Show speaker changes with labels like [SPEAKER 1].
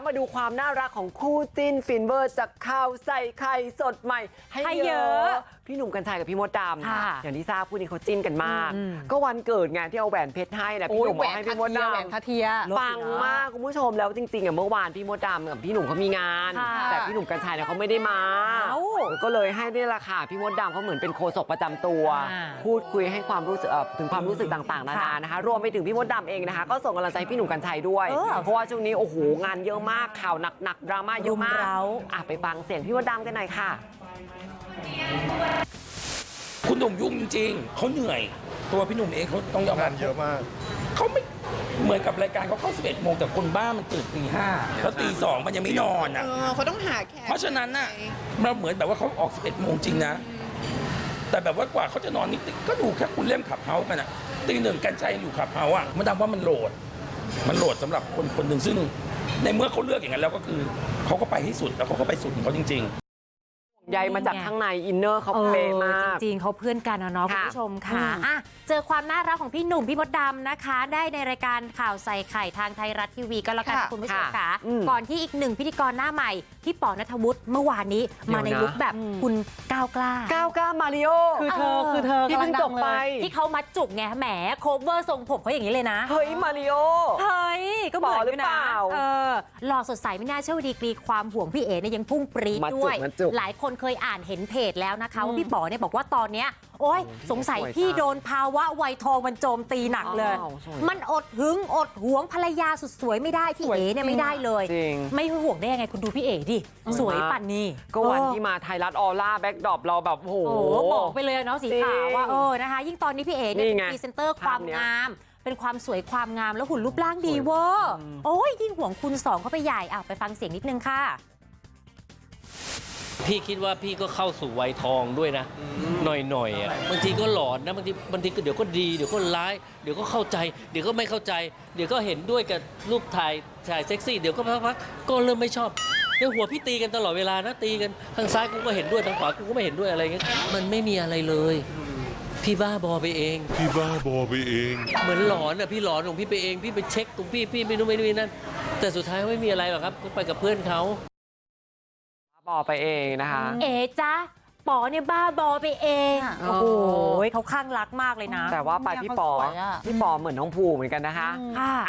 [SPEAKER 1] มาดูความน่ารักของคู่จิ้นฟินเวอร์จากข่าวใส่ไข่สดใหม่ให้เยอะพี่หนุ่มกรรชัยกับพี่มดดำอย่างที่ทราบคู่นี้เขาจิ้นกันมากก็วันเกิดงานที่เอาแหวนเพชรให้นะพี่หนุ่มบอกให้พี่มดดำ
[SPEAKER 2] แหวนคาเทีย
[SPEAKER 1] ปังมากคุณผู้ชมแล้วจริงๆเมื่อวานพี่มดดำกับพี่หนุ่มเขามีงานแต่พี่หนุ่มกรรชัยเขาไม่ได้มาก็เลยให้นี่แหละค่ะพี่มดดำเขาเหมือนเป็นโฆษกประจำตัวพูดคุยให้ความรู้สึกถึงความรู้สึกต่างๆนานานะคะรวมไปถึงพี่มดดำเองนะคะก็ส่งกำลังใจพี่หนุ่มกรรชัยด้วยเพราะว่าช่วงนี้โอ้โหงานเยอะมากข่าวหนักดราม่าเยอะมากไปฟังเสียงพี่มดดำกันหน่อยค่ะ
[SPEAKER 3] คุณหนุ่มยุ่งจริงๆเขาเหนื่อยตัวพี่หนุ่มเองเขาต้องยอมรับ
[SPEAKER 4] งานเยอะมาก
[SPEAKER 3] เขาไม่เหมือนกับรายการเขาเข้า11 โมงแต่คนบ้ามันตื่นตี 5แล้วตี 2มันยังไม่นอนอ่ะ
[SPEAKER 2] เขาต้องหาแขก
[SPEAKER 3] เพราะฉะนั้นน่ะเราเหมือนแบบว่าเขาออก11 โมงจริงนะแต่แบบว่ากว่าเขาจะนอนนิดก็ดูแค่คุณเล่มขับเฮาส์กันอ่ะตี 1กันใจอยู่ขับเฮาส์อ่ะมันทำว่ามันโหลดสำหรับคนหนึ่งซึ่งในเมื่อเขาเลือกอย่างนั้นแล้วก็คือเขาก็ไปให้สุดแล้วเขาก็ไปสุดของเขาจริงๆ
[SPEAKER 1] ใยมาจากข้างในอินเนอร์เขาเป๊ะมาก
[SPEAKER 5] จริงๆเขาเพื่อนกันเนาะคุณผู้ชมค่ะเจอความน่ารักของพี่หนุ่มพี่มดดำนะคะได้ในรายการข่าวใส่ไข่ทางไทยรัฐทีวีก็แล้วกันคุณผู้ชมค่ะก่อนที่อีกหนึ่งพิธีกรหน้าใหม่พี่ป๋อณัฐวุฒิเมื่อวานนี้มาในลุคแบบคุณก้าวกล้า
[SPEAKER 1] มาริโอ
[SPEAKER 2] คือเธอ
[SPEAKER 1] ที่เพิ่งจบไป
[SPEAKER 5] ที่เขามัดจุกไงแหมโคเวอร์ทรงผมเขาอย่างนี้เลยนะ
[SPEAKER 1] เฮ้ยมาริโอ
[SPEAKER 5] เฮ้ยก็เหมือนกันนะหล่อสดใสไม่น่าเชื่อดีกรีความห่วงพี่เอ๋เนี่ยยังพุ่งปรี๊ดด้วยหลายคนเคยอ่านเห็นเพจแล้วนะคะว่าพี่ป๋อเนี่ยบอกว่าตอนเนี้ยโอ๊ยสงสัยพี่โดนภาวะวัยทองมันโจมตีหนักเลยมันอดหึงอดหวงภรรยาสุดสวยไม่ได้พี่เอ๋เนี่ยไม่ได้เลยไม่ห่วงได้ยังไงคุณดูพี่เอ๋ดิสวยปั่นนี่
[SPEAKER 1] ก็วันที่มาไทยรัฐออร่าแบ็คดรอปเราแบบโอ้โห
[SPEAKER 5] บอกไปเลยเนาะสีขาวว่านะคะยิ่งตอนนี้พี่เอ๋เนี่ยเป็นพรีเซนเตอร์ความงามเป็นความสวยความงามแล้วหุ่นรูปร่างดีเวอร์โอ้ยยิ่งห่วงคุณสองเข้าไปใหญ่ไปฟังเสียงนิดนึงค่ะ
[SPEAKER 6] พี่คิดว่าพี่ก็เข้าสู่วัยทองด้วยนะหน่อยอ่ะบางทีก็หลอนนะบางทีก็เดี๋ยวก็ดีเดี๋ยวก็ร้ายเดี๋ยวก็เข้าใจเดี๋ยวก็ไม่เข้าใจเดี๋ยวก็เห็นด้วยกับรูปถ่ายเซ็กซี่เดี๋ยวก็พักก็เริ่มไม่ชอบในหัวพี่ตีกันตลอดเวลานะตีกันทางซ้ายกูก็เห็นด้วยทางขวากูก็ไม่เห็นด้วยอะไรเงี้ยมันไม่มีอะไรเลยพี่บ้าบอไปเองเหมือนหลอนอ่ะพี่หลอนของพี่ไปเองพี่ไปเช็คตรงพี่ไม่รู้ไม่นั่นแต่สุดท้ายไม่มีอะไรหรอกครับก็ไปกับเพื่อนเขา
[SPEAKER 1] บอไปเองนะคะ
[SPEAKER 5] จ๊ะป๋อเนี่ยบ้าบอไปเองโอ้โหเขาข้างรักมากเลยนะ
[SPEAKER 1] แต่ว่าไปพี่ป๋อเหมือนน้องภูเหมือนกันนะคะ